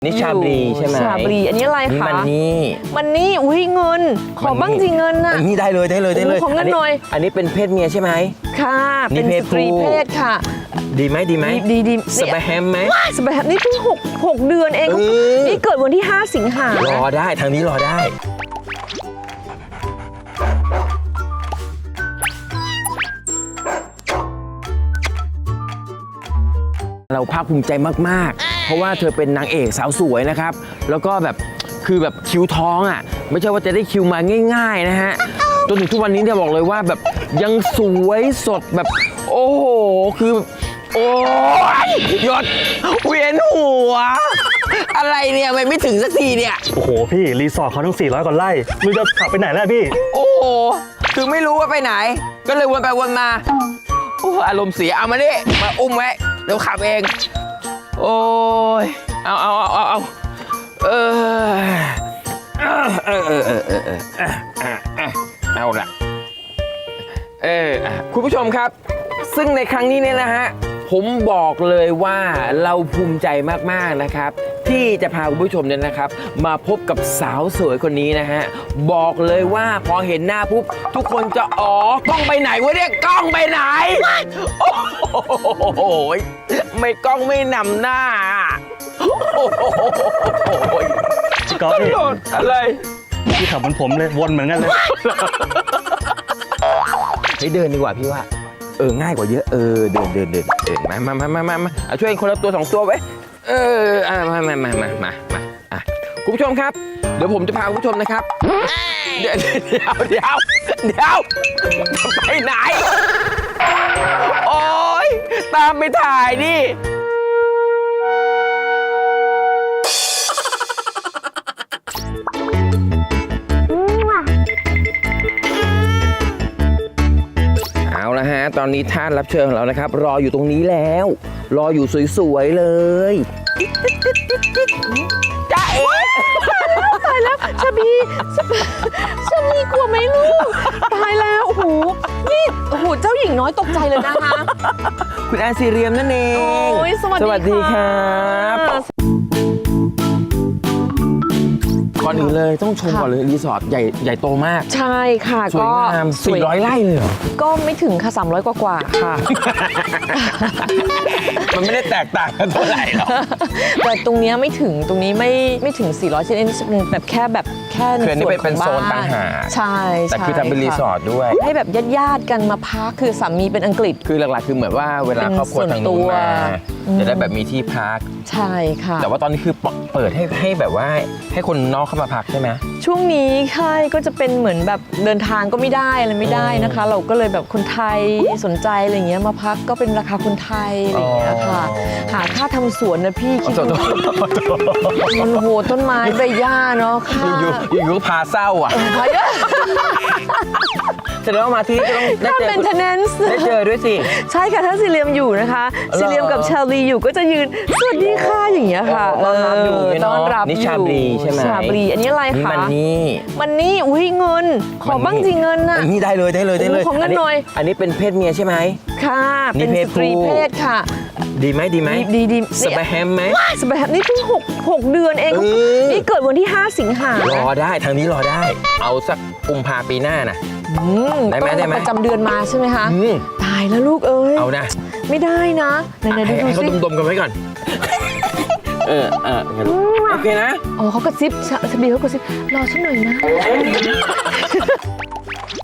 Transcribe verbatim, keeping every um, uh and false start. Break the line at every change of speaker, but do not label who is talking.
นี่ชาบรีใช่ไหม
ชาบรีอันนี้อะไรคะ
มันนี่
มันนี่อุ้ยเงินขอบ้างสิเงินน่ะ
นี่ได้เลยได้เลยได้เลย
ของเงินหน่อย
อันนี้เป็นเพศเมียใช่ไหม
ค่ะ
นี่
เป็น
เพศ
สตรี
ผู้
เพศค่ะ
ดีไหมดีไหม
ดีดี
สบายแฮมไหม
สบายนี่เพิ่งหกหกเดือนเอง
เออ
นี่เกิดวันที่ห้าสิงหาร
อได้ทางนี้รอได้เราภาคภูมิใจมากๆ เพราะว่าเธอเป็นนางเอกสาวสวยนะครับ แล้วก็แบบคือแบบคิวท้องอ่ะไม่ใช่ว่าจะได้คิวมาง่ายๆนะฮะจนถึงทุกวันนี้เนี่ยบอกเลยว่าแบบยังสวยสดแบบโอ้โหคือโอ้ยหยดเวียนหัวอะไรเนี่ยไม่ไม่ถึงสักทีเนี่ย
โอ้โหพี่รีสอร์ทเขาทั้งสี่ร้อยกว่าไร่ไมึงจะขับไปไหนแล้วพี่
โอ้โหคือไม่รู้ว่าไปไหน ก็เลยวนไปวนมาโอ้อารมณ์เสียเอามาดิมาอุ้มไว้เดี๋ยวขับเองโอ้ยเอาเอาเอาเอาเอาเออเออเออเออเออเออเออเอาละเออคุณผู้ชมครับซึ่งในครั้งนี้เนี่ยนะฮะผมบอกเลยว่าเราภูมิใจมากๆนะครับที่จะพาคุณผู้ชมเนี่ยนะครับมาพบกับสาวสวยคนนี้นะฮะบอกเลยว่าพอเห็นหน้าปุ๊บทุกคนจะอ๋อกล้องไปไหนวะเนี่ยกล้องไปไหนโอ้โหไม่กล้องไม่นำหน้าโอ้โห
พี่ก๊อฟพี่
อะไร
พี่ขับเหมือนผมเลยวนเหมือนกันเลย
ให้เดินดีกว่าพี่ว่าเออง่ายกว่าเยอะเออเดินเดินเดินเดินมามามามามามาเอาช่วยคนละตัวสองตัวไว้เอออ่ามามามามามามาอ่ะคุณผู้ชมครับเดี๋ยวผมจะพาคุณผู้ชมนะครับเดี๋ยวเดี๋ยวเดี๋ยวเดี๋ยวจะไปไหนโอ๊ยตามไปถ่ายดิเอาละฮะตอนนี้ท่านรับเชิญของเรานะครับรออยู่ตรงนี้แล้วรออยู่สวยๆเลยจ้าเอ๋
ตายแล้วชาบีชาบีกลัวไหมลูกตายแล้วโอ้โหนี่โอ้โหเจ้าหญิงน้อยตกใจเลยนะคะ
คุณแอนซีเรียมนั่นเอง
โอ้ยสวัสดี
สวัสดีครับ
ค่ะ
ก่อนอื่นเลยต้องชมก่อนเลยรีสอร์ทใหญ่ใหญ่โตมาก
ใช่ค่ะ
สวย
ก็
งามสี่ร้อยไร่เลยเหรอ
ก็ไม่ถึงค่ะสามร้อยกว่าๆค่ะ
มันไม่ได้แตกต่างกันเท่าไหร่หรอก
แต่ตรงเนี้ยไม่ถึงตรงนี้ไม่ไม่ถึงสี่ร้อยชิ้นอันนี้จะเป็นแบบแค่แบบแค่ใน
คืออันนี้
ส่วน
เป็น
ของ
โซ
บ้าน
ต่างหาก
ใช่
แต่คือ
ใช่
ทำเป็นรีสอร์ทด้วย
ให้แบบญาติๆกันมาพักคือสามีเป็นอังกฤษ
คือหลักๆคือเหมือนว่าเวลาครอบครัวทางนู้นมา
อืม
จะได้แบบมีที่พัก
ใช่ค่ะ
แต่ว่าตอนนี้คือเปิดให้ให้แบบว่าให้คนนอกเข้ามาพักใช่ไหม
ช่วงนี้ค่ายก็จะเป็นเหมือนแบบเดินทางก็ไม่ได้อะไรไม่ได้นะคะ เราก็เลยแบบคนไทยสนใจอะไรเงี้ยมาพักก็เป็นราคาคนไทยอะไรเงี้ยค่ะ หาค่าทำสวนนะพี่คิดดูมันโหต้นไม้ใบหญ้าเนาะค่ะ
อยู่อยู่อยู่ก็พาเศร้าอ่ะ
พาเยอะ
แสดงว่ามาที่นี่ก็ต้องได้
ถ้า
เจอ
เป็น tenants
ได้เจอด้วยสิ
ใช่ค่ะถ้าซีเรียมอยู่นะคะซีเรียมกับชาลีอยู่ก็จะยืนสวัสดีค่ะอย่างเงี้ยค่ะ
ต้อนรับอยู่เนี่ยเนอะ
ต้อนรับ
นี่
อยู่
ชาบรีใช่ไหม
ชาบรีอันนี้อะไร
นี่
คะ
มันนี่
มันนี่อุ้ยเงิน ขอบ้างสิเงินน่ะ
นี่ได้เลยได้เลยได้เลย
โอ้ของเงินหน่อย
อันนี้เป็นเพศเมียใช่ไหม
ค่ะ
นี่
เป็น
เพศ
สตรี
ผู้
เพศค่ะ
ดีไหมดีไหม
ดีดี
สบายแฮมไหม
สบายนี่เพิ่งหกหกเดือนเอง
เออ
นี่เกิดวันที่ห้าสิงหาร
อได้ทางนี้รอได้ เอาสักกุมภาปีหน้านะ
อืม
ได้ไหม
ต้อง
ได้ไหม
ประจำเดือนมาใช่ไหมคะ
อืม
ตายแล้วลูกเอ้ย
เอานะ
ไม่ได้นะไหนๆดู
ให้
ดู
ให้เขา
สิ
ดมๆกันไว้ก่อน เออเออโอเคนะ
อ๋อเขากระซิบชาชาบีเขากระซิบรอฉันหน่อยนะ